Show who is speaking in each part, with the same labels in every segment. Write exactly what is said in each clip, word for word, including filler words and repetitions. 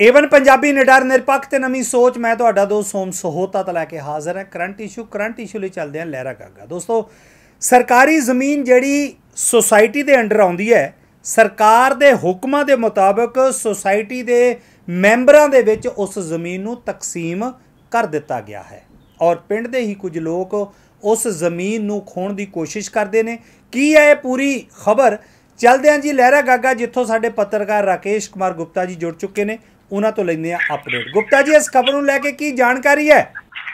Speaker 1: Avon Punjabi ਨਿਡਰ ਨਿਰਪੱਖ ਤੇ ਨਵੀਂ ਸੋਚ। मैं ਤੁਹਾਡਾ ਦੋਸਤ ਸੋਮ ਸਹੋਤਾ तो लैके हाज़र है करंट इशू करंट इशू ਲਈ ਚੱਲਦੇ हैं लहरा गागा। दोस्तों सरकारी ज़मीन ਜਿਹੜੀ सोसाइटी ਦੇ अंडर ਆਉਂਦੀ है सरकार ਦੇ ਹੁਕਮਾਂ ਦੇ ਮੁਤਾਬਕ सोसाइटी ਦੇ ਮੈਂਬਰਾਂ ਦੇ ਵਿੱਚ ਉਸ ਜ਼ਮੀਨ ਨੂੰ ਤਕਸੀਮ ਕਰ ਦਿੱਤਾ ਗਿਆ ਹੈ और ਪਿੰਡ ਦੇ ਹੀ ਕੁਝ ਲੋਕ ਉਸ ਜ਼ਮੀਨ ਨੂੰ ਖੋਣ ਦੀ ਕੋਸ਼ਿਸ਼ ਕਰਦੇ ਨੇ। ਕੀ ਹੈ ਇਹ ਪੂਰੀ ਖਬਰ? चलते हैं जी लहरा गागा जितों साडे पत्रकार राकेश कुमार गुप्ता जी जुड़ चुके हैं, उन्होंने तो लेंगे अपडेट। गुप्ता जी इस खबर को लैके की जानकारी है?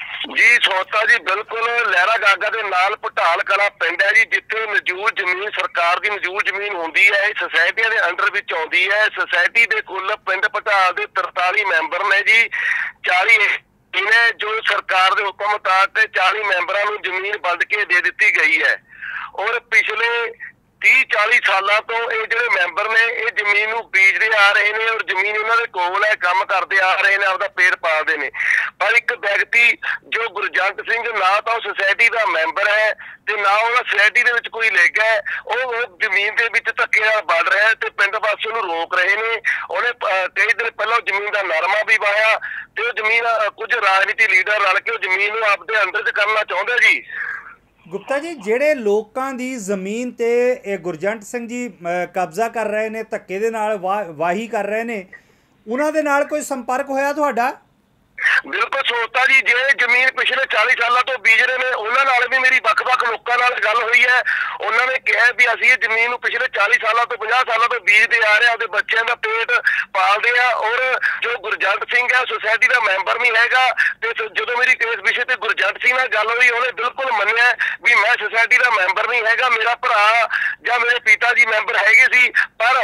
Speaker 2: जी सोता जी बिल्कुल लहरा गागा के नाल पटाल कला पिंड है जी, जिथे मौजूद जमीन सरकार की मौजूद जमीन होंदी है, सोसाइटियां दे अंडर विच आउंदी है। सोसाइटी दे कुल पिंड पटाल दे तरताली मैंबर ने जी, चाली ने जो सरकार के हुक्म मुताबिक चाली मैंबरां नूं जमीन वंड के दे दी गई है और पिछले तीह चाली साल तो ये जो मैंबर ने ये जमीन बीजते आ रहे हैं और जमीन उन्होंने कोल है, काम करते आ रहे हैं, आपका पेड़ पालते हैं। पर एक व्यक्ति जो गुरजंट सिंह ना तो सोसाइटी का मैंबर है ते ना वो सोसाइटी के कोई लेगा है, वो जमीन के धक्के नाल बढ़ रहा है तो पिंड वासी उन्हें रोक रहे हैं। उन्हें कई दिन पहले जमीन का नरमा भी वाया तो जमीन कुछ राजनीति लीडर रल के जमीन आपके अंडर च करना चाहते जी।
Speaker 1: गुप्ता जी ਜਿਹੜੇ ਲੋਕਾਂ ਦੀ ਜ਼ਮੀਨ ਤੇ ਇਹ ਗੁਰਜੰਟ ਸਿੰਘ ਜੀ ਕਬਜ਼ਾ ਕਰ ਰਹੇ ਨੇ, ਧੱਕੇ ਦੇ ਨਾਲ ਵਾਹੀ ਕਰ ਰਹੇ ਨੇ, ਉਹਨਾਂ ਦੇ ਨਾਲ ਕੋਈ ਸੰਪਰਕ ਹੋਇਆ ਤੁਹਾਡਾ?
Speaker 2: बिल्कुल सोता जी, जे जमीन पिछले चाली साल तो बीज रहे हैं उन्होंने भी मेरी वख-वख लोगों नाल गल हुई है। उन्होंने कहा भी असीं जमीन पिछले चाली साल तो पचास साल तो बीजते आ रहे हैं, अपने बच्चों का पेट पालते हैं। और जो गुरजंट सिंह है सोसाइटी का मैंबर नहीं हैगा, तो जो मेरी इस विषय पर गुरजंट सिंह नाल गल हुई उन्हें बिल्कुल मन्निया भी मैं सोसाइटी का मैंबर नहीं हैगा, मेरा भरा या मेरे पिता जी मैंबर हैगे सी, पर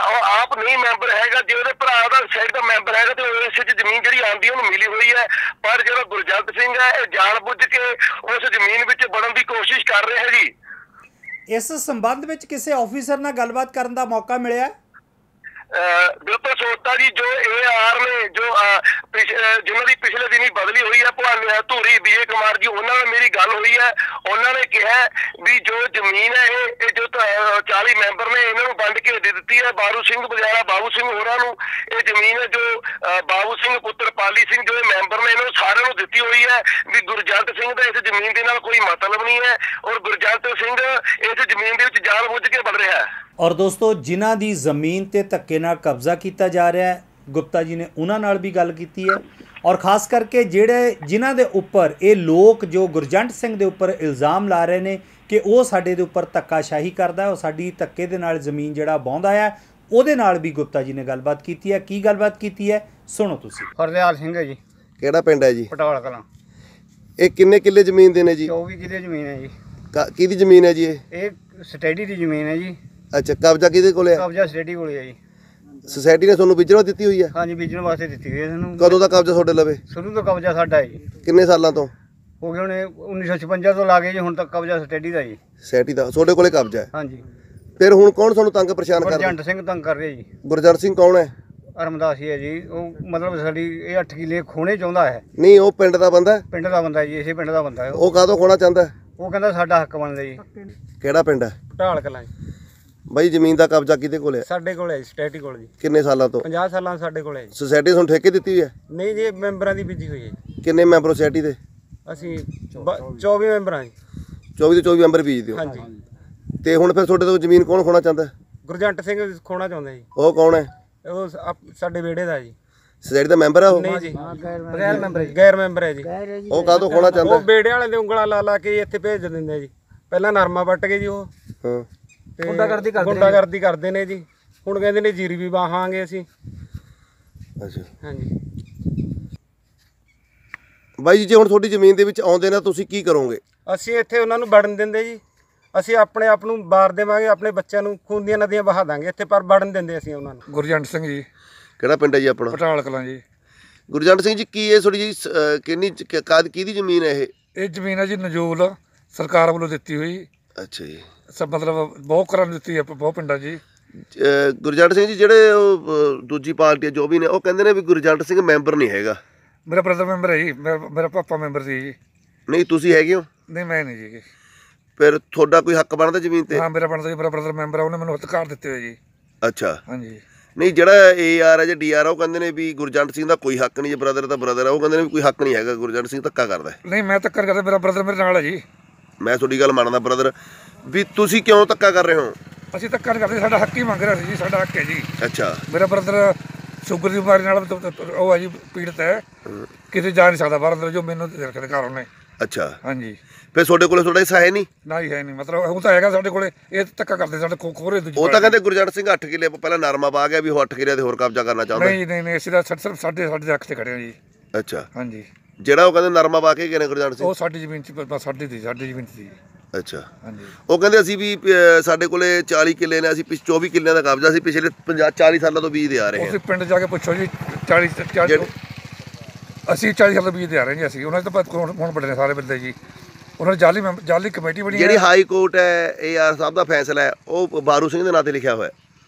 Speaker 2: आप नहीं मैंबर हैगा। जो ਉਹਦੇ ਭਰਾ ਦਾ ਸਾਈਡ ਦਾ ਮੈਂਬਰ ਹੈਗਾ ਤੇ ਇਸ ਵਿੱਚ ਜ਼ਮੀਨ ਜਿਹੜੀ ਆਂਦੀ ਉਹਨੂੰ ਮਿਲੀ ਹੋਈ ਹੈ। ਪਰ ਜਿਹੜਾ ਗੁਰਜੰਟ ਸਿੰਘ ਹੈ ਇਹ ਜਾਣ ਬੁੱਝ ਕੇ ਉਸ ਜ਼ਮੀਨ ਵਿੱਚ ਵੜਨ ਦੀ ਕੋਸ਼ਿਸ਼ ਕਰ ਰਿਹਾ ਹੈ ਜੀ।
Speaker 1: ਇਸ ਸੰਬੰਧ ਵਿੱਚ ਕਿਸੇ ਆਫੀਸਰ ਨਾਲ ਗੱਲਬਾਤ ਕਰਨ ਦਾ ਮੌਕਾ ਮਿਲਿਆ?
Speaker 2: बिल्कुल सोता जी, जो ए आर ने जो जिन्हों की पिछले दिन ही बदली हुई है भाने धूरी विजय कुमार जी, उन्होंने मेरी गल हुई है। उन्होंने कहा भी जो जमीन है ये जो चाली मैंबर ने इन्हों वंड के दे दी है बाबू सिंह वगैरह बाबू सिंह होरां नूं। ये जमीन है जो बाबू सिंह पुत्र पाली सिंह जो मैंबर ने इन्हों सारे नूं दित्ती हुई है भी गुरजंट सिंह का इस जमीन के नाल कोई मतलब नहीं है और गुरजंट सिंह इस जमीन के जान बुझ के बढ़ रहा है।
Speaker 1: और दोस्तों जिन्हां दी ਜ਼ਮੀਨ ਤੇ ਧੱਕੇ ਨਾਲ ਕਬਜ਼ਾ ਕੀਤਾ ਜਾ ਰਿਹਾ ਹੈ, ਗੁਪਤਾ ਜੀ ਨੇ ਉਹਨਾਂ ਨਾਲ ਵੀ ਗੱਲ ਕੀਤੀ ਹੈ और खास करके ਜਿਹੜੇ ਜਿਨ੍ਹਾਂ ਦੇ ਉੱਪਰ ਇਹ ਲੋਕ ਜੋ ਗੁਰਜੰਟ ਸਿੰਘ ਦੇ ਉੱਪਰ ਇਲਜ਼ਾਮ ਲਾ ਰਹੇ ਨੇ ਕਿ ਉਹ ਸਾਡੇ ਦੇ ਉੱਪਰ ਧੱਕਾਸ਼ਾਹੀ ਕਰਦਾ, ਉਹ ਸਾਡੀ ਧੱਕੇ ਦੇ ਨਾਲ ਜ਼ਮੀਨ ਜਿਹੜਾ ਵਾਹੁੰਦਾ ਆ, ਉਹਦੇ ਨਾਲ ਵੀ ਗੁਪਤਾ ਜੀ ਨੇ ਗੱਲਬਾਤ ਕੀਤੀ ਹੈ। ਕੀ ਗੱਲਬਾਤ ਕੀਤੀ ਹੈ ਸੁਣੋ ਤੁਸੀਂ।
Speaker 3: ਹਰਦਿਆਲ ਸਿੰਘ ਹੈ ਜੀ।
Speaker 4: ਕਿਹੜਾ ਪਿੰਡ ਹੈ ਜੀ?
Speaker 3: ਪਟਾਲ ਕਲਾਂ।
Speaker 4: ਇਹ ਕਿੰਨੇ ਕਿੱਲੇ ਜ਼ਮੀਨ ਦੇ ਨੇ ਜੀ?
Speaker 3: ਚੌਵੀ ਕਿੱਲੇ ਜ਼ਮੀਨ ਹੈ ਜੀ।
Speaker 4: ਕਿਹਦੀ ਜ਼ਮੀਨ ਹੈ ਜੀ ਇਹ?
Speaker 3: ਇਹ ਸਟੇਡੀ ਦੀ ਜ਼ਮੀਨ ਹੈ ਜੀ।
Speaker 4: ਅੱਛਾ, ਕਬਜ਼ਾ ਕਿਹਦੇ ਕੋਲ ਹੈ?
Speaker 3: ਕਬਜ਼ਾ ਸਟੇਡੀ ਕੋਲ ਹੈ ਜੀ।
Speaker 4: सोसाइटी ने ਤੁਹਾਨੂੰ ਵਿਚਰਵਾ ਦਿੱਤੀ ਹੋਈ ਹੈ?
Speaker 3: ਹਾਂਜੀ, ਵਿਚਰਨ ਵਾਸਤੇ ਦਿੱਤੀ ਹੋਈ ਹੈ ਸਾਨੂੰ।
Speaker 4: ਕਦੋਂ ਦਾ ਕਬਜ਼ਾ ਤੁਹਾਡੇ ਲਵੇ?
Speaker 3: ਸ਼ੁਰੂ ਤੋਂ ਕਬਜ਼ਾ ਸਾਡਾ ਹੈ ਜੀ।
Speaker 4: ਕਿੰਨੇ ਸਾਲਾਂ ਤੋਂ
Speaker 3: ਹੋ ਗਏ? ਹੁਣੇ ਉੱਨੀ ਸੌ ਛਪੰਜਾ ਤੋਂ ਲਾ ਕੇ ਜੀ ਹੁਣ ਤੱਕ ਕਬਜ਼ਾ ਸਟੇਡੀ ਦਾ ਜੀ।
Speaker 4: ਸਟੇਡੀ ਦਾ ਤੁਹਾਡੇ ਕੋਲੇ ਕਬਜ਼ਾ ਹੈ?
Speaker 3: ਹਾਂਜੀ।
Speaker 4: ਫਿਰ ਹੁਣ ਕੌਣ ਤੁਹਾਨੂੰ ਤੰਗ ਪਰੇਸ਼ਾਨ ਕਰਦਾ?
Speaker 3: ਗੁਰਜੰਟ ਸਿੰਘ ਤੰਗ ਕਰ ਰਿਹਾ ਜੀ।
Speaker 4: ਗੁਰਜੰਟ ਸਿੰਘ ਕੌਣ ਹੈ?
Speaker 3: ਅਰਮਦਾਸੀ ਹੈ ਜੀ। ਉਹ ਮਤਲਬ ਸਾਡੀ ਇਹ ਅੱਠ ਕਿੱਲੇ ਖੋਣੇ ਚਾਹੁੰਦਾ ਹੈ।
Speaker 4: ਨਹੀਂ, ਉਹ ਪਿੰਡ ਦਾ ਬੰਦਾ ਹੈ?
Speaker 3: ਪਿੰਡ ਦਾ ਬੰਦਾ ਜੀ, ਇਸੇ ਪਿੰਡ ਦਾ ਬੰਦਾ ਹੈ।
Speaker 4: ਉਹ ਕਾਹਤੋਂ ਖੋਣਾ ਚਾਹੁੰਦਾ?
Speaker 3: ਉਹ ਕਹਿੰਦਾ ਸਾਡਾ ਹੱਕ ਬਣਦਾ ਜੀ।
Speaker 4: ਕਿਹੜਾ ਪਿੰਡ ਹੈ?
Speaker 3: ਪਟਾਲ ਕਲਾਂ ਜੀ।
Speaker 4: ਬਾਈ ਜ਼ਮੀਨ ਦਾ ਕਬਜ਼ਾ ਕਿਹਦੇ ਕੋਲ ਹੈ?
Speaker 3: ਸਾਡੇ ਕੋਲ ਹੈ ਸਟੇਟੀ ਕੋਲ ਜੀ।
Speaker 4: ਕਿੰਨੇ ਸਾਲਾਂ ਤੋਂ?
Speaker 3: ਪੰਜਾਹ ਸਾਲਾਂ ਸਾਡੇ ਕੋਲ ਹੈ ਜੀ।
Speaker 4: ਸੁਸਾਇਟੀ ਤੁਹਾਨੂੰ ਠੇਕੇ ਦਿੱਤੀ ਹੋਈ ਹੈ?
Speaker 3: ਨਹੀਂ ਜੀ, ਮੈਂਬਰਾਂ ਦੀ ਬੀਜੀ ਹੋਈ ਹੈ ਜੀ।
Speaker 4: ਕਿੰਨੇ ਮੈਂਬਰ ਸੁਸਾਇਟੀ ਦੇ?
Speaker 3: ਅਸੀਂ ਚੌਵੀ ਮੈਂਬਰਾਂ ਜੀ।
Speaker 4: ਚੌਵੀ ਦੇ ਚੌਵੀ ਮੈਂਬਰ ਬੀਜਦੇ ਹੋ?
Speaker 3: ਹਾਂਜੀ।
Speaker 4: ਤੇ ਹੁਣ ਫਿਰ ਤੁਹਾਡੇ ਤੋਂ ਜ਼ਮੀਨ ਕੌਣ ਖੋਣਾ ਚਾਹੁੰਦਾ?
Speaker 3: ਗੁਰਜੰਟ ਸਿੰਘ ਖੋਣਾ ਚਾਹੁੰਦਾ ਜੀ।
Speaker 4: ਉਹ ਕੌਣ ਹੈ?
Speaker 3: ਉਹ ਸਾਡੇ ਵਿਹੜੇ ਦਾ ਜੀ।
Speaker 4: ਸੁਸਾਇਟੀ ਦਾ ਮੈਂਬਰ ਹੈ ਉਹ?
Speaker 3: ਨਹੀਂ ਜੀ, ਗੈਰ ਮੈਂਬਰ ਜੀ। ਗੈਰ ਮੈਂਬਰ ਹੈ ਜੀ।
Speaker 4: ਉਹ ਕਾਹਤੋਂ ਖੋਣਾ ਚਾਹੁੰਦਾ?
Speaker 3: ਉਹ ਵਿਹੜੇ ਵਾਲੇ ਦੇ ਉਂਗਲਾਂ ਲਾ ਲਾ ਕੇ ਇੱਥੇ ਭੇਜ ਦਿੰਦੇ ਜੀ। ਪਹਿਲਾਂ ਨਰਮਾ ਵੱਟ ਕੇ ਜੀ ਉਹ
Speaker 4: ਹਾਂ
Speaker 3: ਗੁੰਡਾਗਰਦੀ ਕਰਦੇ ਗੁੰਡਾਗਰਦੀ ਕਰਦੇ ਨੇ ਜੀ। ਹੁਣ ਕਹਿੰਦੇ ਨੇ ਜੀਰੀ ਵੀ ਵਾਹਾਂਗੇ ਅਸੀਂ।
Speaker 4: ਅੱਛਾ।
Speaker 3: ਹਾਂਜੀ
Speaker 4: ਬਾਈ ਜੀ, ਜੇ ਹੁਣ ਤੁਹਾਡੀ ਜ਼ਮੀਨ ਦੇ ਵਿੱਚ ਆਉਂਦੇ ਨੇ ਤੁਸੀਂ ਕੀ ਕਰੋਗੇ?
Speaker 3: ਅਸੀਂ ਇੱਥੇ ਉਹਨਾਂ ਨੂੰ ਵੜਨ ਦਿੰਦੇ ਜੀ। ਅਸੀਂ ਆਪਣੇ ਆਪ ਨੂੰ ਬਾਰ ਦੇਵਾਂਗੇ, ਆਪਣੇ ਬੱਚਿਆਂ ਨੂੰ ਖੂਨ ਦੀਆਂ ਨਦੀਆਂ ਬਹਾ ਦਾਂਗੇ ਇੱਥੇ, ਪਰ ਵੜਨ ਦਿੰਦੇ ਅਸੀਂ ਉਹਨਾਂ ਨੂੰ।
Speaker 5: ਗੁਰਜੰਟ ਸਿੰਘ ਜੀ।
Speaker 4: ਕਿਹੜਾ ਪਿੰਡ ਹੈ ਜੀ ਆਪਣਾ?
Speaker 5: ਪਟਾਲ ਕਲਾਂ ਜੀ।
Speaker 4: ਗੁਰਜੰਟ ਸਿੰਘ ਜੀ, ਕੀ ਇਹ ਤੁਹਾਡੀ ਜੀ ਕਿੰਨੀ ਕਾਦ ਕਿਹਦੀ ਜ਼ਮੀਨ ਹੈ ਇਹ?
Speaker 5: ਇਹ ਜ਼ਮੀਨ ਹੈ ਜੀ ਨਜੂਲ, ਸਰਕਾਰ ਵੱਲੋਂ ਦਿੱਤੀ ਹੋਈ।
Speaker 4: ਅੱਛਾ ਜੀ।
Speaker 5: ਸਭ ਮਤਲਬ ਬਹੁਤ ਘਰਾਂ ਨੂੰ ਦਿੱਤੀ ਹੈ, ਬਹੁਤ ਪਿੰਡਾਂ ਜੀ।
Speaker 4: ਗੁਰਜੰਟ ਸਿੰਘ ਜੀ ਜਿਹੜੇ ਉਹ ਦੂਜੀ ਪਾਰਟੀ ਜੋ ਵੀ ਨੇ ਉਹ ਕਹਿੰਦੇ ਨੇ ਵੀ ਗੁਰਜੰਟ ਸਿੰਘ ਮੈਂਬਰ ਨਹੀਂ ਹੈਗਾ।
Speaker 5: ਮੇਰਾ ਬ੍ਰਦਰ ਮੈਂਬਰ ਹੈ ਜੀ, ਮੇਰਾ ਪਾਪਾ ਮੈਂਬਰ ਸੀ ਜੀ।
Speaker 4: ਨਹੀਂ, ਤੁਸੀਂ ਹੈਗੇ ਹੋ?
Speaker 5: ਨਹੀਂ, ਮੈਂ ਨਹੀਂ ਜੀ।
Speaker 4: ਫਿਰ ਤੁਹਾਡਾ ਕੋਈ ਹੱਕ ਬਣਦਾ ਜ਼ਮੀਨ ਤੇ?
Speaker 5: ਹਾਂ, ਮੇਰਾ ਬਣਦਾ ਜੀ। ਮੇਰਾ ਬ੍ਰਦਰ ਮੈਂਬਰ ਹੈ, ਉਹਨੇ ਮੈਨੂੰ ਅਧਿਕਾਰ ਦਿੱਤੇ ਹੋਏ ਜੀ।
Speaker 4: ਅੱਛਾ।
Speaker 5: ਹਾਂਜੀ।
Speaker 4: ਨਹੀਂ ਜਿਹੜਾ ਏ ਆਰ ਹੈ ਜਾਂ ਡੀ ਆਰ ਆ ਉਹ ਕਹਿੰਦੇ ਨੇ ਵੀ ਗੁਰਜੰਟ ਸਿੰਘ ਦਾ ਕੋਈ ਹੱਕ ਨਹੀਂ, ਜੇ ਬ੍ਰਦਰ ਤਾਂ ਬ੍ਰਦਰ ਆ, ਉਹ ਕਹਿੰਦੇ ਨੇ ਵੀ ਕੋਈ ਹੱਕ ਨਹੀਂ ਹੈਗਾ, ਗੁਰਜੰਟ ਸਿੰਘ ਧੱਕਾ ਕਰਦਾ ਹੈ।
Speaker 5: ਨਹੀਂ ਮੈਂ ਧੱਕਾ ਕਰਦਾ, ਮੇਰਾ ਬ੍ਰਦਰ ਮੇਰੇ ਨਾਲ ਹੈ ਜੀ।
Speaker 4: ਮੈਂ ਤੁਹਾਡੀ ਗੱਲ ਮੰਨਦਾ ਬ੍ਰਦਰ, ਵੀ ਤੁਸੀਂ ਕਿਉਂ ਧੱਕਾ ਕਰ ਰਹੇ ਹੋ?
Speaker 5: ਅਸੀਂ ਧੱਕਾ ਨਹੀਂ ਕਰਦੇ, ਸਾਡਾ ਹੱਕ ਹੀ ਮੰਗ ਰਿਹਾ ਸੀ ਜੀ, ਸਾਡਾ ਹੱਕ ਹੈ ਜੀ।
Speaker 4: ਅੱਛਾ।
Speaker 5: ਮੇਰਾ ਬ੍ਰਦਰ ਸ਼ੂਗਰ ਦੀ ਬਿਮਾਰੀ ਨਾਲ ਉਹ ਹੈ ਜੀ, ਪੀੜਤ ਹੈ, ਕਿਤੇ ਜਾ ਨਹੀਂ ਸਕਦਾ ਬਾਹਰ ਅੰਦਰ, ਜੋ ਮੈਨੂੰ ਰੱਖਦੇ ਘਰ ਉਹਨੇ।
Speaker 4: ਅੱਛਾ।
Speaker 5: ਹਾਂਜੀ।
Speaker 4: ਫਿਰ ਤੁਹਾਡੇ ਕੋਲ ਤੁਹਾਡਾ ਹਿੱਸਾ ਹੈ ਨਹੀਂ?
Speaker 5: ਨਾ ਹੀ ਹੈ ਨਹੀਂ, ਮਤਲਬ ਉਹ ਤਾਂ ਹੈਗਾ ਸਾਡੇ ਕੋਲੇ, ਇਹ ਧੱਕਾ ਕਰਦੇ ਸਾਡੇ ਖੋ ਖੋਰੇ ਦੂਜੀ।
Speaker 4: ਉਹ ਤਾਂ ਕਹਿੰਦੇ ਗੁਰਜੰਟ ਸਿੰਘ ਅੱਠ ਕਿੱਲੇ ਪਹਿਲਾਂ ਨਰਮਾ ਪਾ ਗਿਆ ਵੀ ਉਹ ਅੱਠ ਕਿੱਲੇ ਤੇ ਹੋਰ ਕਬਜ਼ਾ ਕਰਨਾ ਚਾਹੁੰਦਾ।
Speaker 5: ਨਹੀਂ ਨਹੀਂ ਨਹੀਂ, ਅਸੀਂ ਤਾਂ ਸਿਰਫ ਸਾਡੇ ਸਾਡੇ ਅੱਖ ਤੇ ਖੜੇ ਹਾਂ ਜੀ।
Speaker 4: ਅੱਛਾ।
Speaker 5: ਹਾਂਜੀ।
Speaker 4: ਜਿਹੜਾ ਉਹ ਕਹਿੰਦੇ ਨਰਮਾ ਪਾ ਕੇ ਗਏ ਨੇ ਗੁਰਜੰਟ ਸਿੰਘ,
Speaker 5: ਉਹ ਸਾਡੀ ਜ਼ਮੀਨ 'ਚ ਸਾਡੀ ਸੀ, ਸਾਡੀ ਜ਼ਮੀਨ ਸੀ।
Speaker 4: ਅੱਛਾ।
Speaker 5: ਹਾਂਜੀ।
Speaker 4: ਉਹ ਕਹਿੰਦੇ ਅਸੀਂ ਵੀ ਸਾਡੇ ਕੋਲੇ ਚਾਲੀ ਕਿੱਲੇ ਨੇ, ਅਸੀਂ ਚੌਵੀ ਕਿੱਲਿਆਂ ਦਾ ਕਬਜ਼ਾ ਸੀ, ਪਿਛਲੇ ਪੰਜਾਹ ਚਾਲੀ ਸਾਲਾਂ ਤੋਂ ਬੀਜ ਦੇ ਆ ਰਹੇ ਹਾਂ।
Speaker 5: ਤੁਸੀਂ ਪਿੰਡ ਜਾ ਕੇ ਪੁੱਛੋ ਜੀ, ਚਾਲੀ ਚਾਲੀ ਅਸੀਂ ਚਾਲੀ ਸਾਲ ਤੋਂ ਬੀਜ ਦੇ ਆ ਰਹੇ ਜੀ ਅਸੀਂ। ਉਹਨਾਂ ਦੇ ਤਾਂ ਹੁਣ ਵੱਡੇ ਨੇ ਸਾਰੇ ਬੰਦੇ ਜੀ, ਉਹਨਾਂ ਨੇ ਜਾਲੀ ਜਾਲੀ ਕਮੇਟੀ ਬਣੀ।
Speaker 4: ਜਿਹੜੀ ਹਾਈ ਕੋਰਟ ਹੈ ਏ ਆਰ ਸਾਹਿਬ ਦਾ ਫੈਸਲਾ ਹੈ ਉਹ ਬਾਰੂ ਸਿੰਘ ਦੇ ਨਾਂ ਤੇ ਲਿਖਿਆ ਹੋਇਆ।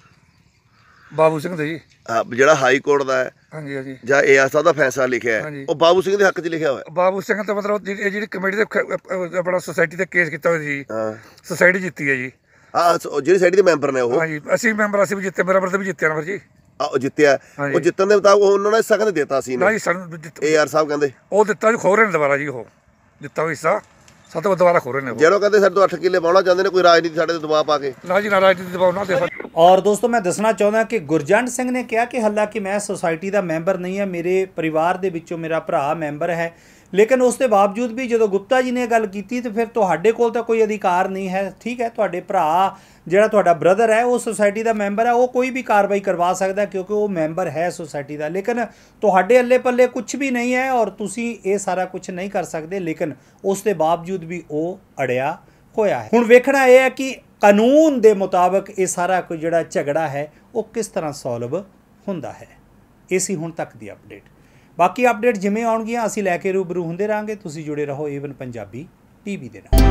Speaker 5: ਬਾਬੂ ਸਿੰਘ ਦੇ ਜੀ।
Speaker 4: ਹਾਂ, ਜਿਹੜਾ ਹਾਈ ਕੋਰਟ ਦਾ ਹੈ
Speaker 5: ਹਾਂਜੀ ਹਾਂਜੀ,
Speaker 4: ਜਾਂ ਏ ਆਰ ਸਾਹਿਬ ਦਾ ਫੈਸਲਾ ਲਿਖਿਆ ਹੈ ਉਹ ਬਾਬੂ ਸਿੰਘ ਦੇ ਹੱਕ 'ਚ ਲਿਖਿਆ ਹੋਇਆ।
Speaker 5: ਬਾਬੂ ਸਿੰਘ ਤਾਂ ਮਤਲਬ ਇਹ ਜਿਹੜੀ ਕਮੇਟੀ ਦੇ ਆਪਣਾ ਸੁਸਾਇਟੀ ਤੇ ਕੇਸ ਕੀਤਾ ਹੋਇਆ ਜੀ।
Speaker 4: ਹਾਂ।
Speaker 5: ਸੁਸਾਇਟੀ ਜਿੱਤੀ ਹੈ ਜੀ।
Speaker 4: ਹਾਂ, ਜਿਹੜੀ ਸੁਸਾਇਟੀ ਦੇ ਮੈਂਬਰ ਨੇ ਉਹ।
Speaker 5: ਹਾਂਜੀ, ਅਸੀਂ ਮੈਂਬਰ ਅਸੀਂ ਵੀ ਜਿੱਤੇ, ਮੇਰਾ ਬਰਦਰ ਵੀ ਜਿੱਤਿਆ ਨਾ ਫਿਰ ਜੀ।
Speaker 4: ਉਹ ਜਿੱਤਿਆ, ਉਹ ਜਿੱਤਣ ਦੇ ਮੁਤਾਬਕ ਉਹਨਾਂ ਨੇ ਹਿੱਸਾ ਕਹਿੰਦੇ ਦਿੱਤਾ ਸੀ
Speaker 5: ਨਾ ਜੀ ਸਾਨੂੰ।
Speaker 4: ਏ ਆਰ ਸਾਹਿਬ ਕਹਿੰਦੇ
Speaker 5: ਉਹ ਦਿੱਤਾ ਜੀ, ਖੋ ਰਹੇ ਨੇ ਦੁਬਾਰਾ ਜੀ, ਉਹ ਦਿੱਤਾ ਹੋਇਆ ਹਿੱਸਾ ਸਾਡੇ ਦੁਬਾਰਾ ਖੋ ਰਹੇ ਨੇ।
Speaker 4: ਜਦੋਂ ਕਹਿੰਦੇ ਸਾਡੇ ਤੋਂ ਅੱਠ ਕਿੱਲੇ ਪਾਉਣਾ ਚਾਹੁੰਦੇ ਨੇ, ਕੋਈ ਰਾਜਨੀਤੀ ਸਾਡੇ ਤੇ ਦਬਾਅ ਪਾ ਕੇ।
Speaker 5: ਨਾ ਜੀ ਨਾ, ਰਾਜਨੀਤੀ ਦਬਾਅ ਨਾ ਦੇ।
Speaker 1: ਔਰ ਦੋਸਤੋ ਮੈਂ ਦੱਸਣਾ ਚਾਹੁੰਦਾ ਕਿ ਗੁਰਜੰਟ ਸਿੰਘ ਨੇ ਕਿਹਾ ਕਿ ਹਾਲਾਂਕਿ ਮੈਂ ਸੁਸਾਇਟੀ ਦਾ ਮੈਂਬਰ ਨਹੀਂ ਹਾਂ, ਮੇਰੇ ਪਰਿਵਾਰ ਦੇ ਵਿੱਚੋਂ ਮੇਰਾ ਭਰਾ ਮੈਂਬਰ ਹੈ, ਲੇਕਿਨ ਉਸ ਦੇ ਬਾਵਜੂਦ ਵੀ ਜਦੋਂ ਗੁਪਤਾ ਜੀ ਨੇ ਗੱਲ ਕੀਤੀ ਤਾਂ ਫਿਰ ਤੁਹਾਡੇ ਕੋਲ ਤਾਂ ਕੋਈ ਅਧਿਕਾਰ ਨਹੀਂ ਹੈ। ਠੀਕ ਹੈ, ਤੁਹਾਡੇ ਭਰਾ ਜਿਹੜਾ ਤੁਹਾਡਾ ਬ੍ਰਦਰ ਹੈ ਉਹ ਸੁਸਾਇਟੀ ਦਾ ਮੈਂਬਰ ਹੈ, ਉਹ ਕੋਈ ਵੀ ਕਾਰਵਾਈ ਕਰਵਾ ਸਕਦਾ ਕਿਉਂਕਿ ਉਹ ਮੈਂਬਰ ਹੈ ਸੁਸਾਇਟੀ ਦਾ, ਲੇਕਿਨ ਤੁਹਾਡੇ ਅੱਲੇ ਪੱਲੇ ਕੁਝ ਵੀ ਨਹੀਂ ਹੈ ਔਰ ਤੁਸੀਂ ਇਹ ਸਾਰਾ ਕੁਝ ਨਹੀਂ ਕਰ ਸਕਦੇ, ਲੇਕਿਨ ਉਸ ਦੇ ਬਾਵਜੂਦ ਵੀ ਉਹ ਅੜਿਆ ਹੋਇਆ ਹੈ। ਹੁਣ ਵੇਖਣਾ ਇਹ ਹੈ ਕਿ ਕਾਨੂੰਨ ਦੇ ਮੁਤਾਬਕ ਇਹ ਸਾਰਾ ਕੋਈ ਜਿਹੜਾ ਝਗੜਾ ਹੈ ਉਹ ਕਿਸ ਤਰ੍ਹਾਂ ਸੋਲਵ ਹੁੰਦਾ ਹੈ। ਇਹ ਸੀ ਹੁਣ ਤੱਕ ਦੀ ਅਪਡੇਟ। ਬਾਕੀ ਅਪਡੇਟ ਜਿਵੇਂ ਆਉਣਗੀਆਂ ਅਸੀਂ ਲੈ ਕੇ ਰੂਬਰੂ ਹੁੰਦੇ ਰਹਾਂਗੇ। ਤੁਸੀਂ ਜੁੜੇ ਰਹੋ ਏਵਨ ਪੰਜਾਬੀ ਟੀਵੀ ਦੇ ਨਾਲ।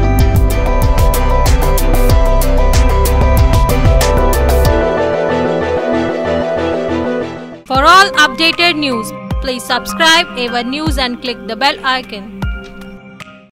Speaker 6: For all updated news, please subscribe A one News and click the bell icon.